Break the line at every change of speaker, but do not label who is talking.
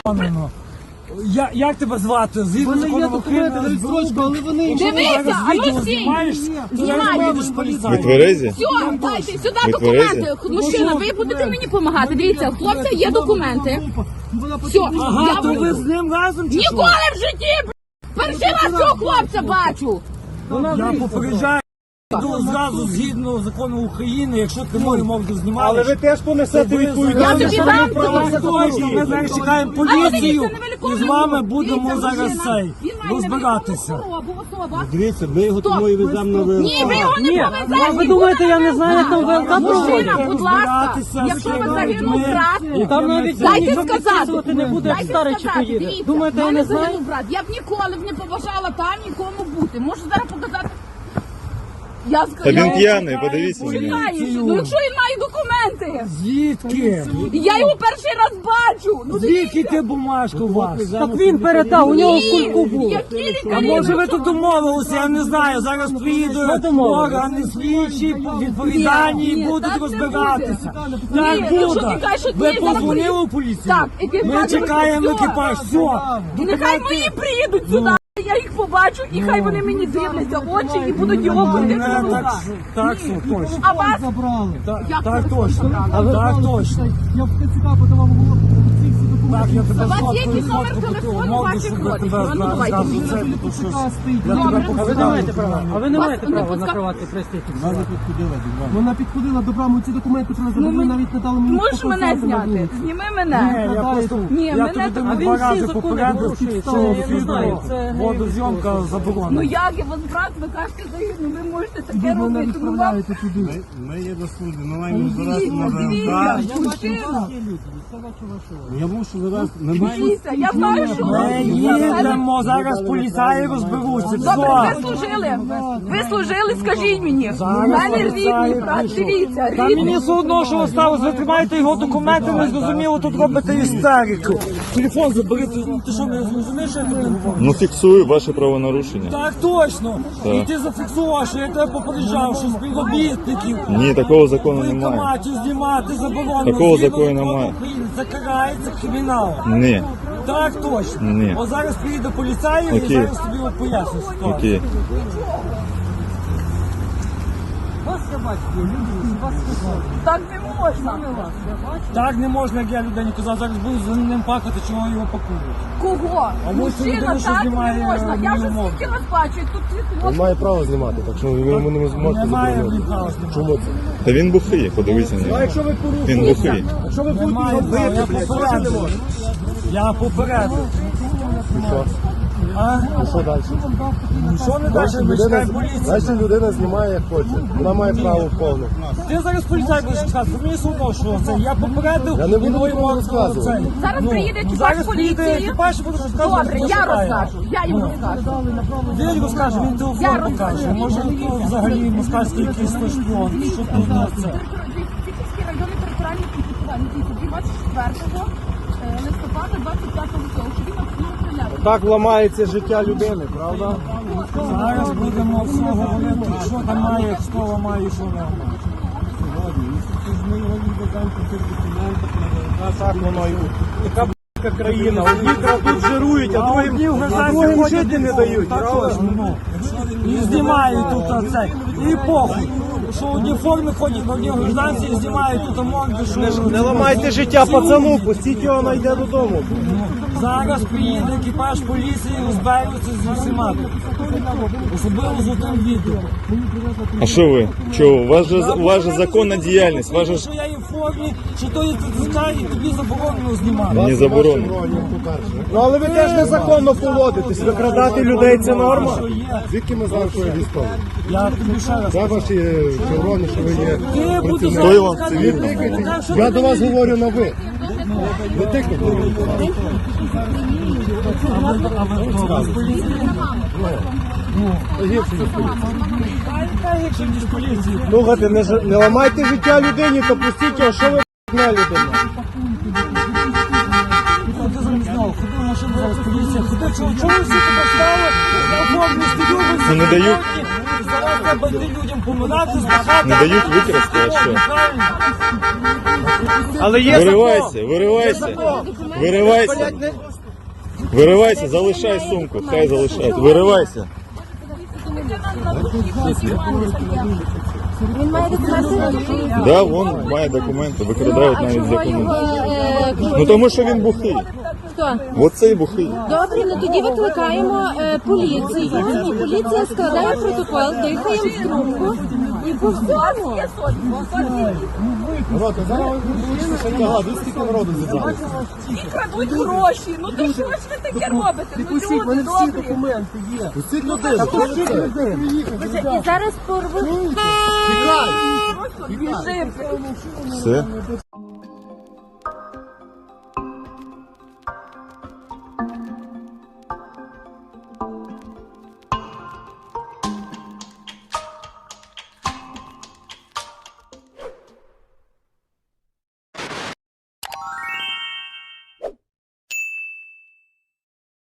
Як тебе звати? Згідно закону України,
але вони...
Дивіться, а ну стій!
Ви тверезі?
Все, дайте сюди документи. Мужчина, ви будете мені допомагати. Дивіться, у хлопця є документи. Все,
Ага, то ви з ним разом чи що?
ніколи в житті, перший раз цього хлопця бачу.
Я попереджаю. Зразу згідно закону України, якщо ти мою мову знімаєш.
Але ви теж понесете відповідальність.
Я тобі дам
точно, ми зараз чекаємо поліцію і з вами будемо зараз розбиратися.
Дивіться, ми його тому і веземо на ВЛК.
Ні, ви його не повезете.
Ви думаєте, я не знаю, як там ВЛК проводять?
Мужчина, будь ласка, якщо ви загинув брат,
Там навіть
дайте
ніхто
сказати.
підписувати не буде, як старий чи поїде.
Дивіться,
Думаєте, я
в мене
не знаю?
загинув брат. Я б ніколи б не побажала там нікому бути. Можу зараз показати. Я
Та він п'яний, подивіться.
Ну якщо він має документи,
Звідки?
я його перший раз бачу. Ну
Звідки ти бумажку вас?
Так він передав, у нього в кульку був.
які
А
лікарі?
може ви тут домовилися, я не знаю, зараз приїдуть органи слідчі, відповідальні і будуть розбиратися. Так
якщо
буде.
ти кажеш, що
Ви
ні, зараз
позвонили у поліцію?
Так, екіпаж
Ми чекаємо
все.
екіпаж, все.
І нехай мої приїдуть сюди. Я їх побачу, і хай вони мені дивляться в очі і будуть його крутити на руках.
Так, все, точно.
А вас?
Так точно. Так точно.
Я в ТЦК подавав
Так, я тебе
У вас є
сфоткаю,
якийсь номер
сфоткаю,
телефону
можу,
ваших
щоб
родичів?
тебе
Ну, давайте.
зразу це, тому що я тебе
А ви не
показав.
маєте права. А ви не маєте
Вас не
права на
пускав-
приватний пристрій.
Вона підходила до брами, ці документи привезли, ви навіть не дали мені
Можеш мене зняти? Зніми мене.
Я просто,
Ні,
я
мене
тобі
так-
два
А він всі
рази
закони
попередив,
порушує,
що
я не знаю, це
водозйомка
Ну
заборонена.
як я вас брат, ви кажете, ну ви можете таке робити. Ну вам
Ми є до служби, ми маємо збиратися на
дивіться,
ВЛК.
мужчина.
Я мушу завести, ми маємо...
Дивіться, я знаю, що
Ми їдемо, зараз поліцаї розберуться.
Добре,
Все.
ви служили. Ви служили, скажіть мені. У
Зараз
мене
поліцаї
рідний брат,
прийшов.
дивіться,
Та мені
рідний.
все одно, що осталось, ви тримаєте його документи, не зрозуміло, тут робите істерику. Телефон забери, ти що, не зрозумієш, що я тобі говорю?
Ну фіксую ваше правонарушення.
Так точно.
Так.
І ти зафіксував, що я тебе попереджав, що співробітників
Ні, такого закону
в
немає.
воєнкоматі знімати заборонено.
Такого
Згідно
закону
закону
немає.
України Це карається криміналом.
Ні.
Так точно.
Ні.
От зараз приїде поліцай і
Окей.
зараз тобі от поясню ситуацію.
Окей.
Вас я бачу, люди, вас
Так не можна.
Так не можна, як я людині казав, зараз буду за ним плакати, чого його пакують.
Кого?
А ось
Мужчина,
людина, що
так
знімає,
не можна. Я вже
мою
скільки вас бачу, і тут
Він
хлопці.
має право знімати, так що ви йому не можете
Немає
заборонити.
права знімати.
Чому це?
Та він бухий, подивіться на нього.
Якщо ви порушите,
Він бухий.
якщо ви
Немає
будете
права, я
робити,
попередив. Я попередив. А?
що далі?
Ну, що не далі, ми чекаємо поліцію.
Далі людина знімає, як хоче. Вона має право повне.
Ти зараз поліцай будеш чекати, мені все одно, що це. Я попередив.
Я не буду
і твої
нікому
мовки
розказувати.
оцей.
Зараз приїде екіпаж
зараз приїде
поліції.
екіпаж і буде розказувати,
Добре,
хто
я
шукає.
розкажу. Я їм розкажу.
Він розкаже, він
Я
телефон
розкажу.
покаже. Може, то взагалі москальський якийсь шпіон. Що тут на це?
Тихівський районний територіальний підпорядкований дійсно 24 листопада 25 цього. Чи він абсолютно стріляє?
Так ламається життя людини, правда?
Зараз будемо все говорити, що там має, хто ламає, що не ламає.
Так воно і така б***ка країна. Одні тут жирують, а другим жити не дають.
Також, ну. І знімають тут оце. І похуй. Що одні форми ходять, одні гражданці і знімають тут морди, що...
Не ламайте життя пацану, пустіть його, найде додому.
Зараз приїде екіпаж поліції, розберуться з усіма. Особливо з тим відео.
А що ви? Чого? У вас же законна діяльність. Вас же ж
Що я є в формі, що то є ТЦК і тобі заборонено знімати.
не заборонено.
Ну але ви теж незаконно поводитесь. Викрадати людей це норма.
Що є.
Звідки ми знаємо, що ви військові?
Я тобі ще раз.
Де ваші червоні, що ви є?
Ти буду
Хто
зараз
вам
сказати,
цивільний?
так, що
Я
ти
до вас
мені-
говорю на ви. Не тикайте.
А ви хто? Ви з поліції? Та гірше, ніж поліції.
Слухайте, не ламайте життя людині, то пустіть його, що ви на людина.
Ти замість нього, ходи, машину зараз поліція, ходи, чого ви всі тебе стали? Я формі стою, ви
Ну, не дають.
Зараз треба йти людям помирати, збагати.
Не дають викрасти, а що?
Правильно.
Але є
Виривайся, виривайся, виривайся. Виривайся, залишай сумку, хай залишають. Виривайся.
Він має документи?
Да, вон має документи, викрадають навіть з документів. Ну тому що він бухий.
Хто?
Оцей бухий.
Добре, ну тоді викликаємо поліцію, і поліція складає протокол, дихаємо в трубку і по всьому.
Крадуть гроші. Ну то що ж ви таке робите? Ну люди добрі.
документи є.
І зараз порвуть.
Біжимо.
Все.